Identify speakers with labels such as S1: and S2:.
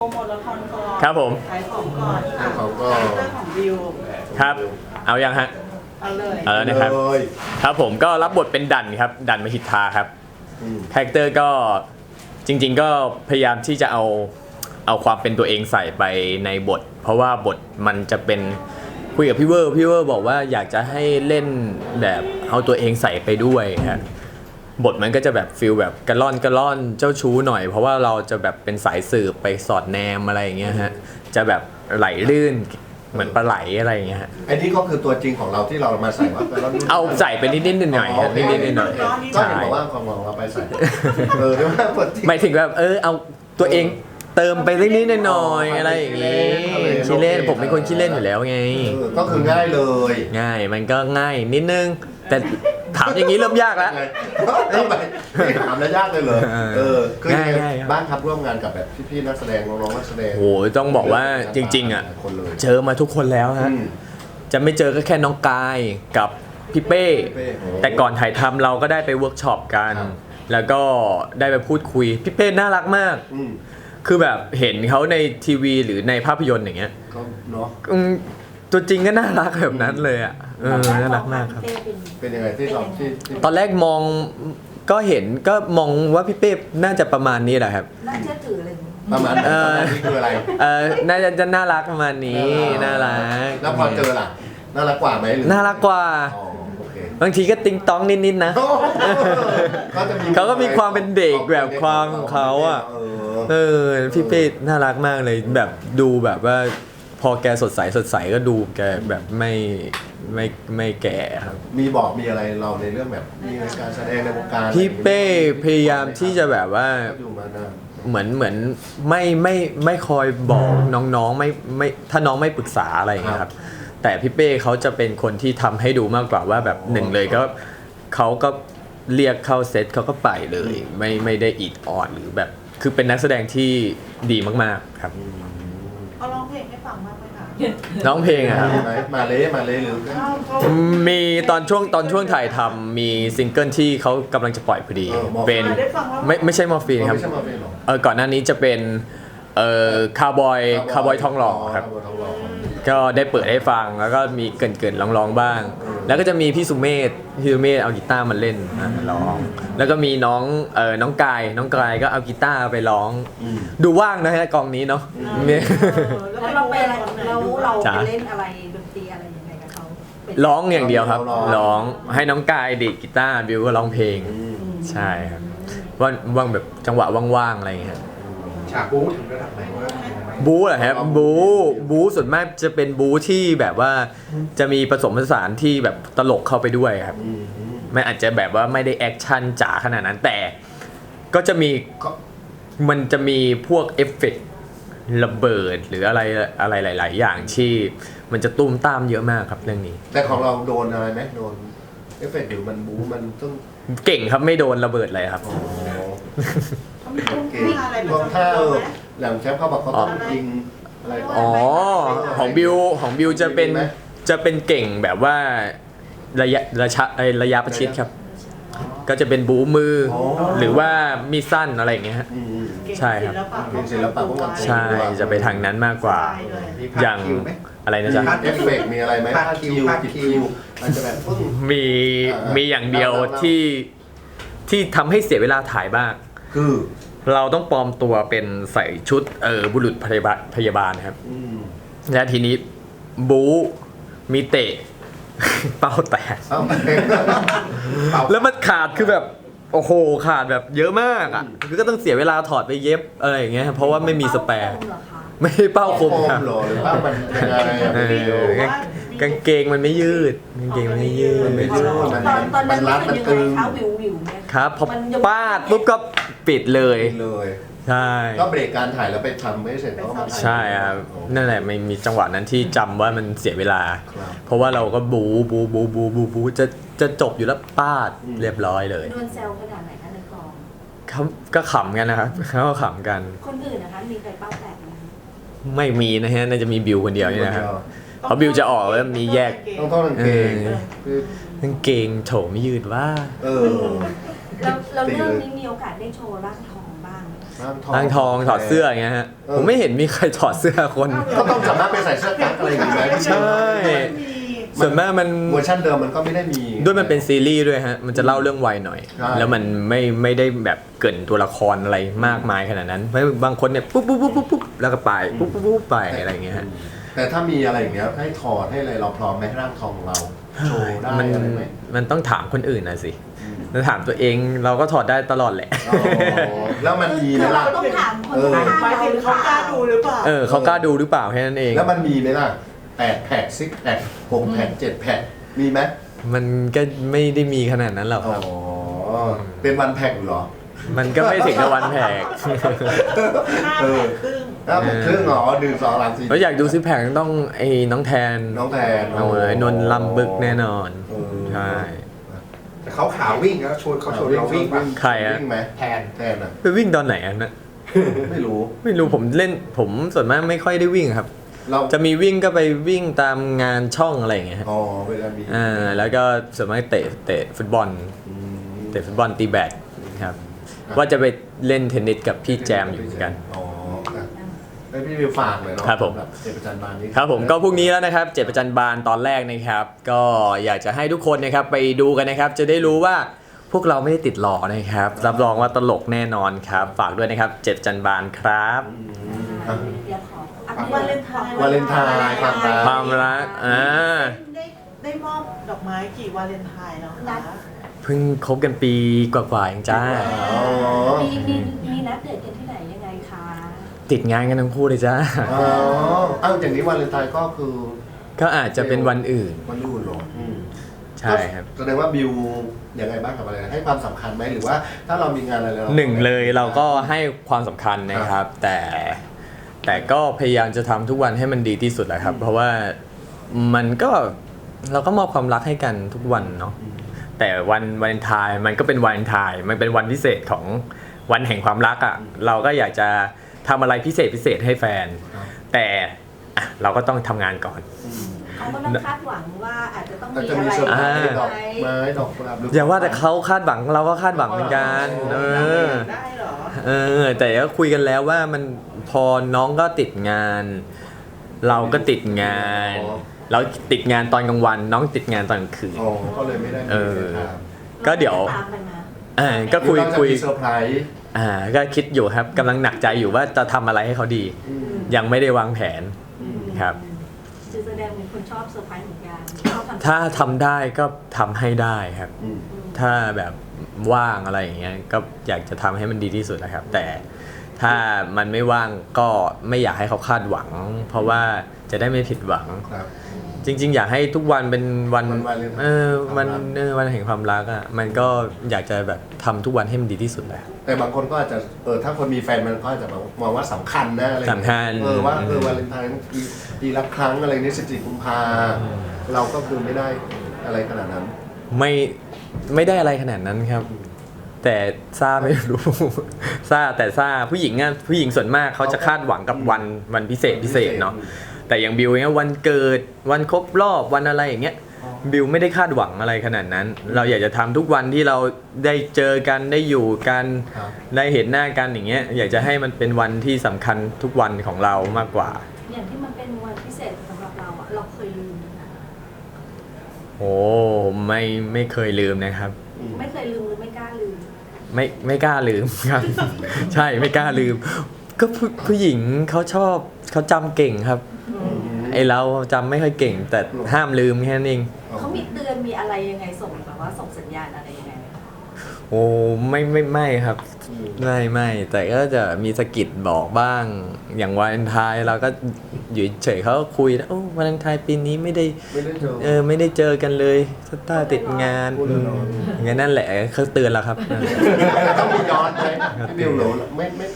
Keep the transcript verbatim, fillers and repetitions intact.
S1: โปรโมทละครก่อน
S2: ครับผม
S1: ขายของก่อน
S3: ขายของก่อน
S1: คาแรคเตอร์ของบิว
S2: ครับเอายังฮะ
S1: เอาเลย
S2: เอาแล้วนะครับ
S3: เลย
S2: ครับผมก็รับบทเป็นดันครับดันมหิทธาครับ
S3: อืม
S2: คาแรคเตอร์ก็จริง ๆ ก็พยายามที่จะเอาเอาความเป็นตัวเองใส่ไปในบท เพราะว่าบทมันจะเป็นคุยกับพี่เวอร์พี่เวอร์บอกว่าอยากจะให้เล่นแบบเอาตัวเองใส่ไปด้วยครับบทมันก็จะแบบฟิลแบบกระล่อนกระล่อนเจ้าชู้หน่อย เพราะว่าเราจะแบบเป็นสายสืบไปสอดแนมอะไรอย่างเงี้ยฮะจะแบบไหลลื่นเหมือนปลาไหลอะไรอย่างเงี้ยฮะ
S3: ไอ้นี่ก็คือตัวจริงของเราที่เรามาใส่ว่าเรา
S2: เอาใส่ไปนิดๆหน่อยๆฮะนิดๆหน่อย
S3: ก็
S2: ๆ
S3: เห็น
S2: ใช่
S3: บอกว่าของเราไปใส่ เออเรียกว่าตัวจริง
S2: หมายถึงแบบเออเอาตัวเองเติมไปเล็กนิดหน่อยๆอะไรอย่างงี้ขี้เล่นผมเป็นคนขี้เล่นอยู่แล้วไง
S3: เออก็คือง่ายเลย
S2: ง่ายมันก็ง่ายนิดนึง แต่ถามอย่างนี้เริ่มยากแล้ว
S3: ไงทำไมไม่ถามแล้วยากเลยเหรอ
S2: เออ
S3: เออคือยังไง
S2: ง่ายๆครับ
S3: บ้านครับร่วมงานกับแบบพี่ๆนักแสดงน้องๆนักแสดง
S2: โหต้องบอกว่าจริงๆอ่ะ
S3: คนเลย
S2: เจอมาทุกคนแล้วฮะ
S3: อืม
S2: จะไม่เจอก็แค่น้องกายกับพี่เป้
S3: พี่เป้โอ้
S2: แต่ก่อนถ่ายทำเราก็ได้ไปเวิร์กช็อปกัน
S3: ครับ
S2: แล้วก็ได้ไปพูดคุยพี่เป้น่ารักมาก
S3: อืม
S2: คือแบบเห็นเขาในทีวีหรือในภาพยนตร์อย่างเงี้ย
S3: ก็เนาะ
S2: อืมตัวจริงก็น่ารักแบบนั้นเลยอ่ะเออน่ารักมากครับ
S3: เป็นยังไงที่เราที่ที่
S2: ตอนแรกมองก็เห็นก็มองว่าพี่เป้น่าจะประมาณนี้แหละครับ
S4: น่าเชื่อถืออะไรอย่างนี้
S3: ประมาณ
S2: เออ
S3: นี้คืออะไร
S2: เออน่าจะจะน่ารักประมาณนี้น่ารัก
S3: แล้วพอเจอล่ะน่ารักกว่าไหมหรือ
S2: น่ารักกว่า
S3: อ๋อโอเค
S2: บางทีก็ติงต้องนิดๆนะ
S3: ก็จะมี
S2: เขาก็มีความเป็นเด็กแบบความของเขาอะ
S3: เออ
S2: เออพี่เป้น่ารักมากเลยแบบดูแบบว่าพอแกสดใสสดใสก็ดูแกแบบไม่ไม่ไม่แก่ครับ
S3: มีบอกมีอะไรเราในเรื่องแบบมีการแสดงในวงการ
S2: พี่เป้พยายามที่จะแบบว่า
S3: อยู่มานาน
S2: เหมือนเหมือนไม่ไม่ไม่คอยบอกน้องๆไม่ไม่ถ้าน้องไม่ปรึกษาอะไรอย่างเงี้ยครับแต่พี่เป้เขาจะเป็นคนที่ทำให้ดูมากกว่าว่าแบบหนึ่งเลยก็เขาก็เรียกเข้าเซตเขาก็ไปเลย ไม่ไม่ได้อิดออดหรือแบบคือเป็นนักแสดงที่ดีมากๆครับ
S1: เขาร้องเพลงให้ฟังบ้างไหมคะ
S2: ร้องเพลงอะครับ
S3: มีไหมมาเลยมาเลยหรือ
S2: มีตอนช่วงตอนช่วงถ่ายทำมีซิงเกิลที่เขากำลังจะปล่อยพอดี เป็นไม่ไม่ใช่มอร์ฟีนครับ
S3: ไม่ใช่มาเป็นหรอ
S2: เออก่อนหน้านี้จะเป็นเอ่อคาร์บอยคาร์บอยทองหล่อครับ
S3: ทองหล่อ
S2: ก็ได้เปิดให้ฟังแล้วก็มีเกินๆร้องๆบ้าง แล้วก็จะมีพี่สุเมธพี่สุเมธเอากีตาร์มาเล่นอ่ะร้อง แล้วก็มีน้องเออน้องกายน้องกายก็เอากีตาร์ไปร้อง
S3: อืม
S2: ดูว่างนะฮะกองนี้เนาะเนี่ย
S4: แล้วเราไปอะไรเราเรา
S2: จ๊ะ
S4: ไปเล่นอะไรดนตรีอะไรยังไงกับเขาเป็น
S2: ร้องอย่างเดียวครับ
S3: ร้อง
S2: ร้องให้น้องกายดีดกีตาร์บิวก็ร้องเพลง
S3: อืม
S2: ใช่ครับว่างว่างแบบจังหวะว่างๆอะไรอย่างเงี้ย
S3: ฉากบู๊ถึงระดับไหนวะ
S2: บู๊เหรอครับบู๊บู๊ส่วนมากจะเป็นบู๊ที่แบบว่าจะมีผสมผสานที่แบบตลกเข้าไปด้วยครับ
S3: อืมอืม
S2: ไม่อาจจะแบบว่าไม่ได้แอคชั่นจ๋าขนาดนั้นแต่ก็จะมี
S3: ก็
S2: มันจะมีพวกเอฟเฟกต์ระเบิดหรืออะไรอะไรหลาย ๆ อย่างที่มันจะตุ้มตามเยอะมากครับเรื่องนี้
S3: แต่ของเราโดนอะไรไหมโดนเอฟเฟกต์หรือมันบู๊มันต้อง
S2: เก่งครับไม่โดนระเบิดเลยครับ
S3: อ๋อ
S1: เขามีท่วง
S3: เก่ง
S1: ท่าอะไร
S3: รวม
S1: ประ
S3: ท่า
S1: จำ
S3: เอ
S1: ตัว
S3: อ
S1: ไหม
S3: แหลมแชมป์เขาบอกเขาต้องยิงอะไรก่อน
S2: อ๋อของบิวของบิวจะเป็น
S3: มีไหม
S2: จะเป็นเก่งแบบว่าระยะระชะเอ้ยระยะประชิดครับ ก็จะเป็นบูมืออ
S3: อ
S2: หรือว่ามีดสั้นอะไรอย่างเงี้ยฮะ
S3: อืม
S1: เก่ง
S2: ใช่ครับ
S3: เก่งศิลปะป้องกันตัว
S2: ใช่จะไปทางนั้นมากกว่า อย่างอะไรนะจ๊ะ
S3: เอฟเฟกต์มีอะไรไหมพาดคิวพาดคิวมันจะแบบปึ้ง
S2: มี
S3: อ่ามี
S2: มีอย่างเดียว
S3: เล่าเล่า
S2: ที่ที่ทำให้เสียเวลาถ่ายบ้าง
S3: คือ
S2: เราต้องปลอมตัวเป็นใส่ชุดเออบุรุษพยาบาลพยาบาลครับ
S3: อืม
S2: และทีนี้บู๊มีเตะ เป้าแตก
S3: เอาไปเป่า
S2: แล้วมันขาดคือแบบโอ้โหขาดแบบเยอะมากอ่ะคือก็ต้องเสียเวลาถอดไปเย็บอะไรอย่างเงี้ยเพราะว่าไม่มีสแปร์
S4: เหรอคะ
S2: ไม่ได้เป้าคม
S3: โฟ
S2: ครับ
S3: เหรอหรือว่ามันยังไงอะ
S2: เอ
S3: วิดีโอ
S2: อกางเกงมันไม่ยืดกางเกงมันไม่ยืด
S3: มันไม่ยืด
S4: ตอนตอนนั้น
S3: มันรัด
S4: รู้สึก
S3: มันตึ
S4: ยัง
S3: ง
S4: ไงคะวิววิวเนี่ย
S2: ครับพอ
S4: มันยัง
S2: ปาดปุ๊บก็ปิดเลย
S3: เลย
S2: ใช่
S3: ก็เบรกการถ่ายแล้วไปทำไม่เสร็จก็มาถ่าย
S2: ใช่ครับนั่นแหละไม่มีจังหวะนั้นที่จำว่ามันเสียเวลา
S3: ครับ
S2: เพราะว่าเราก็บูบูบูบูบูบูจะจะจบอยู่แล้วปาด
S3: อืม
S2: เรียบร้อยเลย
S4: โดนแซวขนาดไหนคะในกอง
S2: เขาก็ขำกันนะครับเขาก็ขำกัน
S4: คนอื่นนะคะมีใครเป้าแตกไหมคะ
S2: ไม่มีนะฮะน่าจะมีบิวคนเดียวนี่นะครับ เพราะบิวจะออกแล้วมีแยก
S3: ต้องท่อนกางเกง
S2: เออ
S3: คือก
S2: างเกงโถไม่ยืดว่า
S3: เออ
S4: แล้วแล้วเรื่องนี้มีโอกาสได้โชว์ร่างทองบ้างไหม
S2: ร่างทองถอดเสื้ออย่างเงี้ยฮะผมไม่เห็นมีใครถอดเสื้อคน
S3: ก็ต้องสามารถไปใส่เสื้อกั๊กอะไรอย่างงี้ไหม
S2: ใช่
S1: มี
S2: ส่วนมากมัน
S3: เวอร์ชันเดิมมันก็ไม่ได้มี
S2: ด้วยมันเป็นซีรีส์ด้วยฮะมันจะเล่าเรื่องวัยหน่อย
S3: ใช่
S2: แล้วมันไม่ไม่ได้แบบเกรินตัวละครอะไรมากมายขนาดนั้นเพราะบางคนเนี่ยปุ๊บปุ๊บปุ๊บปุ๊บปุ๊บแล้วก็ไปปุ๊บปุ๊บปุ๊บไปอะไรอย่างเงี้ยฮะ
S3: แต่ถ้ามีอะไรอย่างเงี้ยให้ถอดให้อะไรเราพร้อมไหมร่างทองของเราโชว์ได้
S2: มัน
S3: อะไรไหม
S2: มันต้องถามคนอื่นนะสิแล้วถามตัวเองเราก็ถอดได้ตลอดแหละ
S3: อ๋อแล้วมันมีไหม
S4: คือเรา
S3: ล่ะ
S4: ต้องถามคน
S3: เออ
S4: ข้าง
S1: หมาย
S4: เรา
S1: ถึงเขากล้าดูหรือเปล่า
S2: เออเขากล้าดูหรือเปล่าแค่นั้นเอง
S3: แล้วมันมีไหมล่ะแปดแพ็กซิกแพ็กหกแพ็กเจ็ดแพ็กมีไหม
S2: มันก็ไม่ได้มีขนาดนั้นหรอก
S3: อ๋
S2: ค
S3: อ
S2: รับ
S3: เป็นวันแพ็กอยู่เหรอ
S2: มันก็ไม่ถึงกับวันแพก
S1: ห้า
S3: เออ
S1: แผงครึ่ง
S3: แล้วแพ็กครึ่งเหรอหนึ่งสองสามสี่
S2: แล้วอยากดูซิแพกต้องไอ้น้องแทน
S3: น้องแทน
S2: เอาเลยนนท์ลำบึกแน่นอน
S3: เออ
S2: ใช่
S5: แต่เขาขาวิ่งแล้วชวนเขาชวนเราวิ่งป่ะ
S2: ใครอะ
S3: วิ่งไหม
S5: แทน
S3: แทนอ่ะ
S2: ไปวิ่งตอนไหนอันนะ
S3: ไม่รู้
S2: ไม่รู้ผมเล่นผมส่วนมากไม่ค่อยได้วิ่งครับ
S3: เรา
S2: จะมีวิ่งก็ไปวิ่งตามงานช่องอะไรอย่างเงี้ยฮะ
S3: อ๋อเวลามี
S2: อ่าแล้วก็ส่วนมากเตะเตะฟุตบอล
S3: อืม
S2: เตะฟุตบอลตีแบดครับว่าจะไปเล่นเทนนิสกับพี่แจมอยู่เหมือนกัน
S3: อ๋ออ่ะให้พี่วิวฝากหน่อยเนาะ
S2: ครับผม
S3: แบบเจ็ดประจันบานนี้
S2: ครับผมก็พรุ่งนี้แล้วนะครับเจ็ดประจันบานตอนแรกนะครับ ก็อยากจะให้ทุกคนนะครับไปดูกันนะครับ จะได้รู้ว่าพวกเราไม่ได้ติดหล่อนะครับ รับรองว่าตลกแน่นอนครับ ฝากด้วยนะครับเจ็ดประจันบานครับ
S3: อืมอ่ะ
S4: เดี๋ยวขออัป
S1: วา
S4: เด
S1: เล
S4: ต
S1: นไทน์
S3: วาเลนไทน์ความรัก
S2: ความรักอ่า
S1: ได้ได้มอบดอกไม้กี่วาเลนไทน์แล้วคะ
S2: เพิ่งคบกันปีกว่าๆเองจ้า
S3: อ๋อ
S4: มีมีมีนัดเดทกันที่ไหนยังไงคะ
S2: ติดงานกันทั้งคู่เลยจ้า
S3: อ๋อเอ้าอย่างนี้วาเลนไทน์ก็คือ
S2: ก็อาจจะเป็นวันอื่น
S3: วันรุ่นเหรออืม
S2: ใช่ครับ
S3: แสดงว่าบิวยังไงบ้างกับอะไรให้ความสำคัญไหมหรือว่าถ้าเรามีงานอะไรเรา
S2: หนึ่งเลยเราก็ให้ความสำคัญนะครับ แต่แต่ก็พยายามจะทำทุกวันให้มันดีที่สุดแหละครับ เพราะว่ามันก็เราก็มอบความรักให้กันทุกวันเนาะแต่วันวาเลนไทน์มันก็เป็นวาเลนไทน์มันเป็นวันพิเศษของวันแห่งความรักอะ่ะเราก็อยากจะทำอะไรพิเศษพิเศษให้แฟน แต่อ่ะเราก็ต้องทำงานก่อน
S3: อืม
S4: เขาก็ต้องคาดหวังว่าอาจจะต้อง
S3: อาจ
S4: มี
S3: จะ
S4: อะ
S3: มี
S4: ไร
S3: เซอร์ไพรส์
S4: ไห
S3: ดอก
S4: ม
S3: ไม้ดอกกุหลาบหรื
S2: อย่าว่าแต่เขาคาดหวังเราก็คาดหวังเหมือนกันเออ
S1: ได้เหรอ
S2: เออแต่ก็คุยกันแล้วว่ามันพอน้องก็ติดงาน เราก็ติดงาน เราติดงานตอนกลางวัน น้องติดงานตอนกลางคืน
S3: อ๋อก็เลยไม่ได้มี
S2: เออ
S3: ทาง
S2: ก็เดี๋ยว
S4: ตามไปนะ
S2: อ่าก็คุย
S3: หรือเราจะ
S2: คุย
S3: มีเซอร์ไพรส์
S2: อ่าก็คิดอยู่ครับกำลังหนักใจอยู่ว่าจะทำอะไรให้เขาดี
S3: อืม
S2: ยังไม่ได้วางแผน
S3: อืม
S2: ครับ
S4: คือแสดงเป็นคนชอบเซอร์ไพรส์เหมือนกันชอบทำ
S2: ถ้าทำได้ก็ทำให้ได้ครับ
S3: อืม
S2: ถ้าแบบว่างอะไรอย่างเงี้ยก็อยากจะทำให้มันดีที่สุดนะครับ แต่ถ้ามันไม่ว่างก็ไม่อยากให้เขาคาดหวัง เพราะว่าจะได้ไม่ผิดหวัง
S3: ครับ
S2: จริง ๆ อยากให้ทุกวันเป็นวัน
S3: วันวาเลนไทน์
S2: เออวัน
S3: ความรัก
S2: เออวันแห่งความรักอ่ะมันก็อยากจะแบบทำทุกวันให้มันดีที่สุดแหละ
S3: แต่บางคนก็อาจจะเออถ้าคนมีแฟนมันก็อาจจะมองว่าสำคัญนะอะไรอย่างเงี้ย
S2: สำคัญ
S3: เออว่าเออวาเลนไทน์ปีปีละครั้งอะไรนี่สิบสี่กุมภาเราก็คือไม่ได้อะไรขนาดนั้น
S2: ไม่ไม่ได้อะไรขนาดนั้นครับ แต่ซ่าไม่รู้ ซ่าแต่ซ่าผู้หญิงอ่ะผู้หญิงส่วนมากเขาจะคาดหวังกับวันวันพิเศษพิเศษเนาะแต่อย่างบิวเนี้ยวันเกิดวันครบรอบวันอะไรอย่างเงี้ยบิวไม่ได้คาดหวังอะไรขนาดนั้น เราอยากจะทำทุกวันที่เราได้เจอกันได้อยู่กัน
S3: ครับ
S2: ได้เห็นหน้ากันอย่างเงี้ยอยากจะให้มันเป็นวันที่สำคัญทุกวันของเรามากกว่า
S4: อย่างที่มันเป็นวันพิเศษสำหรับเราอะเราเคยลืมไหมคะ
S2: โอ้ไม่ไม่เคยลืมนะครับ
S3: อืม
S4: ไม่เคยลืมหรือไม่กล้าลืม
S2: ไม่ไม่กล้าลืมครับ ใช่ไม่กล้าลืม ก็ผู้ผู้หญิงเขาชอบเขาจำเก่งครับ ไอเราจำไม่ค่อยเก่ง แต่ห้ามลืมแค่นั้นเอง
S4: เขามีเตือนมีอะไรยังไงส่งแบบว่าส่งสัญญาณอะไรยังไงไหมคะ
S2: โอ้ไม่ไม่ไม่ครับ
S3: อืม
S2: ไม่ไม่แต่ก็จะมีสะกิดบอกบ้าง อย่างวาเลนไทน์เราก็อยู่เฉยเขาก็คุยนะโอ้วาเลนไทน์ปีนี้ไม่ได้
S3: ไม่ได้เจอ
S2: เออไม่ได้เจอกันเลยสตาร์ติดงาน
S3: พูด
S2: อื
S3: ลอยๆ
S2: มงั้นนั่นแหละเขาเตือนแล้วครับ
S3: ต้องมีย้อนไหมพี่บิวหนูไม่ไม่